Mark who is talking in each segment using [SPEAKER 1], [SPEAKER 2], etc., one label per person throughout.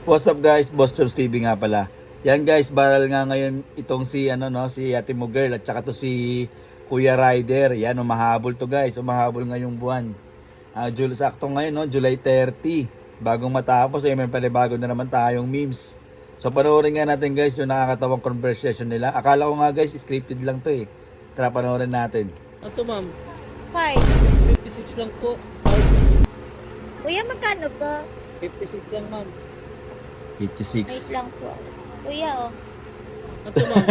[SPEAKER 1] What's up guys, Boss Chops TV nga pala. Yan guys, baral nga ngayon itong si si Ate mo girl at saka to si Kuya Rider. Yan, umahabol to guys, umahabol ngayong buwan. Sakto ngayon July 30. Bagong matapos may panibago na naman tayong memes. So panoorin nga natin guys yung nakakatawang conversation nila. Akala ko nga guys, scripted lang to eh. Tara panoorin natin.
[SPEAKER 2] Ato ma'am,
[SPEAKER 3] 5.
[SPEAKER 2] 56 lang po.
[SPEAKER 3] Kuya, magkano po?
[SPEAKER 2] 56 lang ma'am.
[SPEAKER 3] 8
[SPEAKER 1] 56.
[SPEAKER 3] lang po. Kuya,
[SPEAKER 2] Ato ma'am,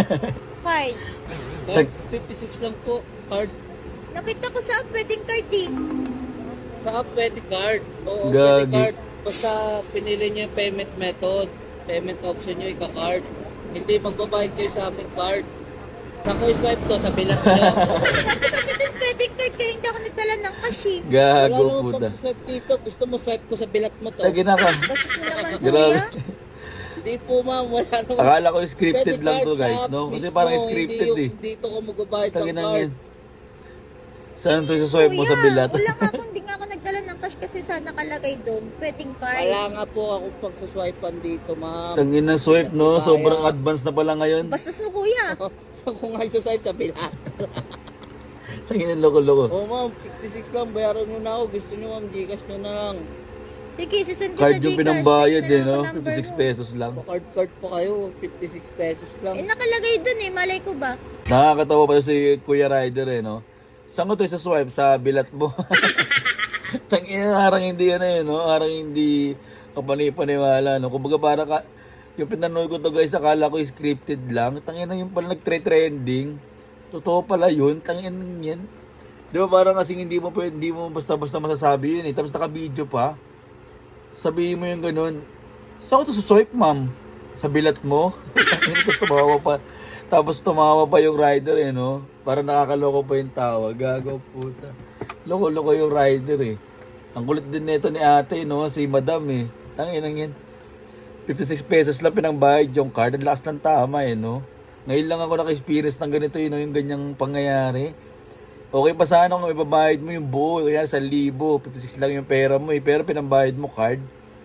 [SPEAKER 3] 5.
[SPEAKER 2] card 56 lang po. Card
[SPEAKER 3] Nakita ko sa wedding card eh.
[SPEAKER 2] sa app, pwede card. Oo,
[SPEAKER 1] Gagi.
[SPEAKER 2] pwede card. Basta pinili niyo yung payment method. Payment option niyo, ika-card. Hindi magbabayad kayo sa aming card. Saan ko i-swipe to? Sa bilang niyo.
[SPEAKER 3] Sabi kasi dun wedding card kaya hindi ako nagdala ng cash eh.
[SPEAKER 2] Wala
[SPEAKER 1] Gago
[SPEAKER 2] naman
[SPEAKER 1] puta.
[SPEAKER 2] pag-swipe dito. Gusto mo swipe ko sa bilat mo to?
[SPEAKER 1] Tagi na ka.
[SPEAKER 3] Basis mo naman
[SPEAKER 1] Grabe.
[SPEAKER 3] kuya.
[SPEAKER 2] Hindi po ma'am, wala naman.
[SPEAKER 1] Akala ko scripted
[SPEAKER 2] Pwede
[SPEAKER 1] lang
[SPEAKER 2] card
[SPEAKER 1] to
[SPEAKER 2] sa
[SPEAKER 1] guys,
[SPEAKER 2] app
[SPEAKER 1] no? Kasi
[SPEAKER 2] mismo,
[SPEAKER 1] parang scripted
[SPEAKER 2] hindi
[SPEAKER 1] eh.
[SPEAKER 2] yung dito ko magbabayad ng
[SPEAKER 1] Tagi na
[SPEAKER 2] card.
[SPEAKER 1] yan. Saan to saswipe mo sa bilat?
[SPEAKER 3] Wala nga ako, hindi nga ako nagdala ng cash kasi sa nakalagay doon. Wedding card.
[SPEAKER 2] Wala nga po akong pagsaswipean dito, ma'am.
[SPEAKER 1] Tangin na swipe no, sobrang advanced na pala ngayon.
[SPEAKER 3] Bastos mo kuya.
[SPEAKER 2] Saan ko nga isa-swipe sa bilat?
[SPEAKER 1] Tangin na loko-loko.
[SPEAKER 2] Oo ma'am, 56 lang, bayaran nyo na ako. Gusto nyo ma'am, Gcash nyo na lang.
[SPEAKER 3] Sige, sisend ko
[SPEAKER 1] Card
[SPEAKER 3] sa
[SPEAKER 1] yung
[SPEAKER 3] Gcash.
[SPEAKER 1] pinambayad
[SPEAKER 3] Text
[SPEAKER 1] eh,
[SPEAKER 3] na lang
[SPEAKER 1] no?
[SPEAKER 3] ako number
[SPEAKER 1] 56
[SPEAKER 3] mo.
[SPEAKER 1] pesos lang.
[SPEAKER 2] Pa-card pa kayo, 56 pesos lang.
[SPEAKER 3] Nakalagay doon eh, malay ko ba?
[SPEAKER 1] Nakakatawa pa si Kuya Rider eh, no? Saan ko to sa swipe? Sa bilat mo. Tangin na, harang hindi no? Harang hindi kapani-paniwala, no? Kumbaga para ka, yung pinanood ko to guys, akala ko scripted lang. Tangin na yung pala nag-trending. Totoo pala yun. Tangin na yan. Di ba parang kasing hindi mo basta-basta masasabi yun eh. Tapos naka-video pa. Sabihin mo yung ganun. Saan ko to sa swipe, ma'am? Sa bilat mo? Tapos tumawa pa. Tapos tumawa pa yung rider eh, no? Para nakakaloko pa yung tawa. Gago, puta. Loko-loko yung rider eh. Ang kulit din nito ni ate, no? Si madam eh. Tanginang yan. 56 pesos lang pinangbayad yung card. Ang lakas ng tama eh, no? Ngayon lang ako naka-experience ng ganito yun, no? Yung ganyang pangyayari. Okay pa sana kung ibabayad mo yung buo. Kaya 1,000. 56 lang yung pera mo eh. Pero pinambayad mo card.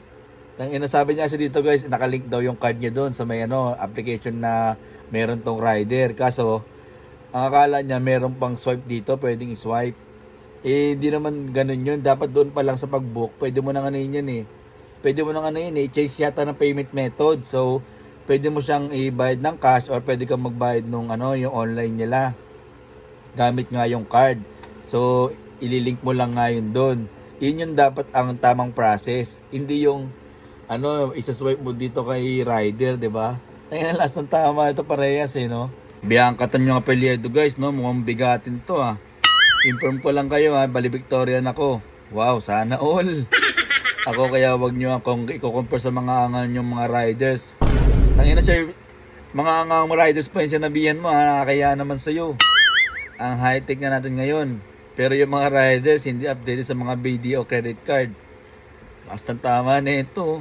[SPEAKER 1] Sabi niya kasi dito guys, nakalink daw yung card niya doon sa may application na meron tong rider. Kaso, ang akala niya meron pang swipe dito, pwedeng i-swipe. Eh, hindi naman ganun yun. Dapat doon pa lang sa pag-book, pwede mo nang yun eh. Pwede mo nang i-change yata ng payment method. So, pwede mo siyang i-bayad ng cash or pwede kang magbayad nung yung online nila. Gamit nga yung card. So, ililink mo lang nga yun doon. Yun yung dapat ang tamang process. Hindi yung isa-swipe mo dito kay rider, 'di ba? Ayun ang last ng tama ito parehas eh, no? Biangkatan yung apelyido guys, no? Mukhang bigatin to ah. Inform ko lang kayo ha, Bali Victorian ako. Wow, sana all. Ako kaya wag nyo akong i-compare sa mga angan yung mga riders. Tangina sir, mga angang riders pa yung sinabihan mo ha, kaya naman sa'yo. Ang high-tech na natin ngayon. Pero yung mga riders hindi updated sa mga BDO credit card. Last ng tama na ito.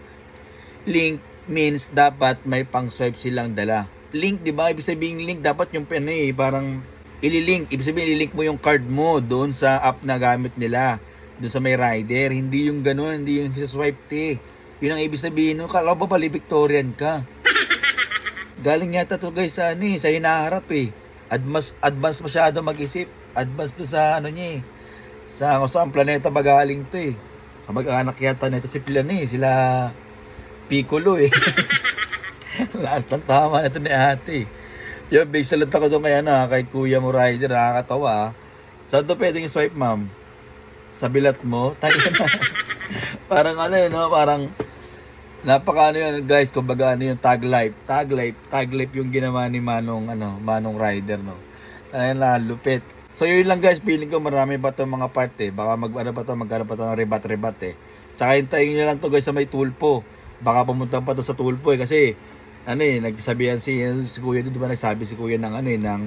[SPEAKER 1] Link means dapat may pang-swipe silang dala. Link, di ba? Ibig sabihin link, dapat yung parang ililink. Ibig sabihin, ililink mo yung card mo doon sa app na gamit nila. Doon sa may rider. Hindi yung gano'n, hindi yung swipe te. Yun ang ibig sabihin. Kala ba Bali Victorian ka? Galing yata to guys sa sa hinaharap eh. Advance masyado mag-isip. Advance to sa niya eh. Sa ang planeta magaling to eh. Kamag-anak yata nito si sila Piccolo eh. Last ng tama na ito ni ate. Yung big salute ako doon kay Kuya mo rider, nakakatawa ah. Saan to pwedeng swipe ma'am? Sa bilat mo? Tayo na. Parang parang napaka yun guys, kumbaga yung tag life yung ginawa ni Manong rider no. Ayun na, lupit. So yun lang guys, feeling ko marami pa itong mga part eh. Baka magkano pa ito ng rebat eh. Tsaka hintayin nyo lang to guys sa may tulpo. Baka pumunta pa to sa tulpo eh. Kasi nagsabihan si kuya dito, di ba nagsabi si kuya ng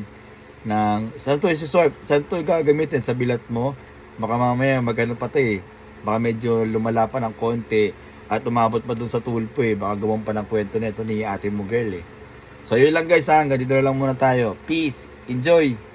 [SPEAKER 1] saan to swipe? Saan to gagamitin? Sa bilat mo? Baka mamaya magano pa to eh. Baka medyo lumala pa ng konti at umabot pa dun sa tulpo eh. Baka gawin pa ng kwento nito ni ate mo girl eh. So yun lang guys, hanggang dito na lang muna tayo. Peace! Enjoy!